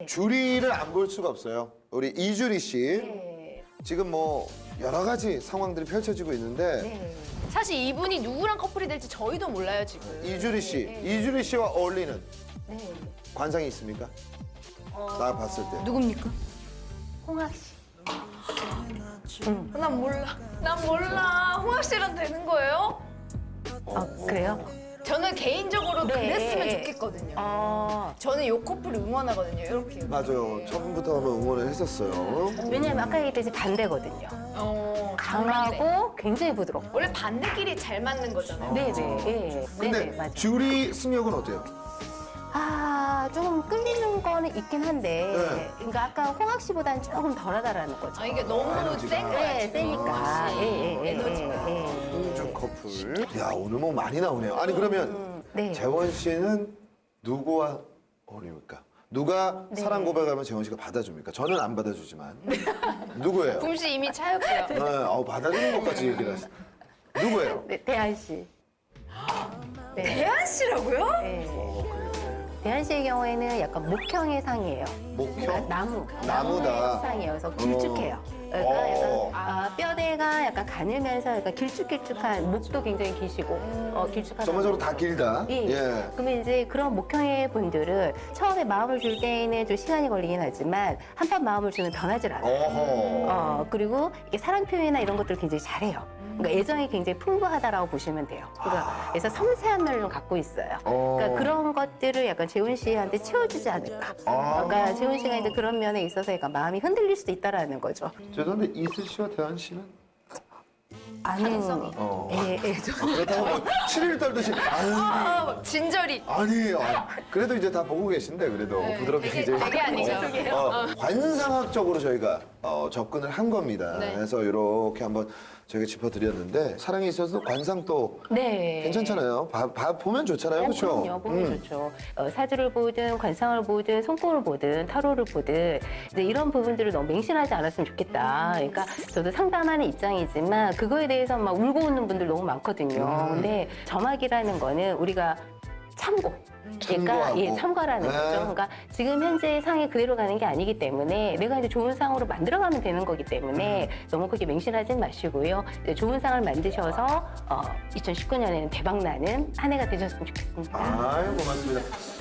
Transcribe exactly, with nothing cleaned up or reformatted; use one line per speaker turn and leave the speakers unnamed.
주리를 안 볼 수가 없어요. 우리 이주리 씨.
네.
지금 뭐 여러 가지 상황들이 펼쳐지고 있는데
네. 사실 이분이 누구랑 커플이 될지 저희도 몰라요 지금.
이주리 씨,
네.
이주리 씨와 어울리는
네.
관상이 있습니까? 나 봤을 때.
누굽니까? 홍학 씨. 응. 난 몰라. 난 몰라. 홍학 씨랑 되는 거예요?
아, 그래요?
저는 개인적으로
네.
그랬으면 좋겠거든요.
아,
저는 이 커플을 응원하거든요. 이렇게.
맞아요. 처음부터 한번 응원을 했었어요.
왜냐면 아까 얘기했듯이 반대거든요.
어,
강하고 굉장히 부드럽고.
원래 반대끼리 잘 맞는 거잖아요.
네네. 예.
근데
네네, 맞아요.
주리 승역은 어때요?
아, 조금 끌리는 거는 있긴 한데,
네.
그러니까 아까 홍학 씨보다는 조금 덜하다라는 거죠.
아 이게 너무
에너지가.
센 거야.
네,
지금.
세니까.
아,
예, 예, 예,
에너지가.
예, 예.
공중 커플. 야, 오늘 뭐 많이 나오네요. 아니, 그러면
음, 네.
재원 씨는 누구와 어울립니까? 누가
네.
사랑 고백하면 재원 씨가 받아줍니까? 저는 안 받아주지만. 누구예요?
붐씨 이미 차였고요.
네, 어, 받아주는 것까지 얘기를 하시. 누구예요?
네, 대한 씨. 네.
대한 씨라고요?
네.
어, 그래요.
대한 씨의 경우에는 약간 목형의 상이에요.
목형?
그러니까 나무.
나무다.
나무의 상이에요. 그래서 길쭉해요. 그러니까
어.
약간 아, 뼈대가 약간 가늘면서 약간 길쭉길쭉한 목도 굉장히 기시고 어, 길쭉하다.
전반적으로 다 길다.
예.
예.
그러면 이제 그런 목형의 분들은 처음에 마음을 줄 때에는 좀 시간이 걸리긴 하지만 한판 마음을 주면 변하질 않아요.
어허.
어, 그리고 이게 사랑 표현이나 이런 것들을 굉장히 잘해요. 그러니까 애정이 굉장히 풍부하다라고 보시면 돼요. 그러니까 그래서 섬세한 면을 좀 갖고 있어요.
어.
그러니까 그런 것들을 약간 재훈 씨한테 채워주지 않을까.
아.
그러니까 재훈 씨가 이제 그런 면에 있어서 약간 마음이 흔들릴 수도 있다라는 거죠.
죄송한데 이슬 씨와 대한 씨는?
아는
어.
예, 예, 좀.
그렇다고 뭐 칠일 떨듯이 아유.
아, 진절이.
아니, 아, 그래도 이제 다 보고 계신데 그래도
네,
부드럽게
되게-
이제
되게 아니죠.
어, 어, 관상학적으로 저희가 어, 접근을 한 겁니다.
네.
그래서 이렇게 한번 저희가 짚어드렸는데 사랑에 있어서 관상 또
네.
괜찮잖아요. 봐, 봐- 보면 좋잖아요, 그렇죠?
그럼요, 보면 좋죠. 어, 사주를 보든 관상을 보든 손금을 보든 타로를 보든 이제 이런 부분들을 너무 맹신하지 않았으면 좋겠다. 그러니까 저도 상담하는 입장이지만 그거에 대해서 막 울고 웃는 분들 너무 많거든요.
음.
근데 점학이라는 거는 우리가 참고. 그러니까
참고하고.
예, 참고라는
네.
거죠. 그러니까 지금 현재 상이 그대로 가는 게 아니기 때문에 내가 이제 좋은 상으로 만들어가면 되는 거기 때문에 너무 그렇게 맹신하진 마시고요. 이제 좋은 상을 만드셔서 어, 이천십구 년에는 대박 나는 한 해가 되셨으면 좋겠습니다.
아유, 고맙습니다.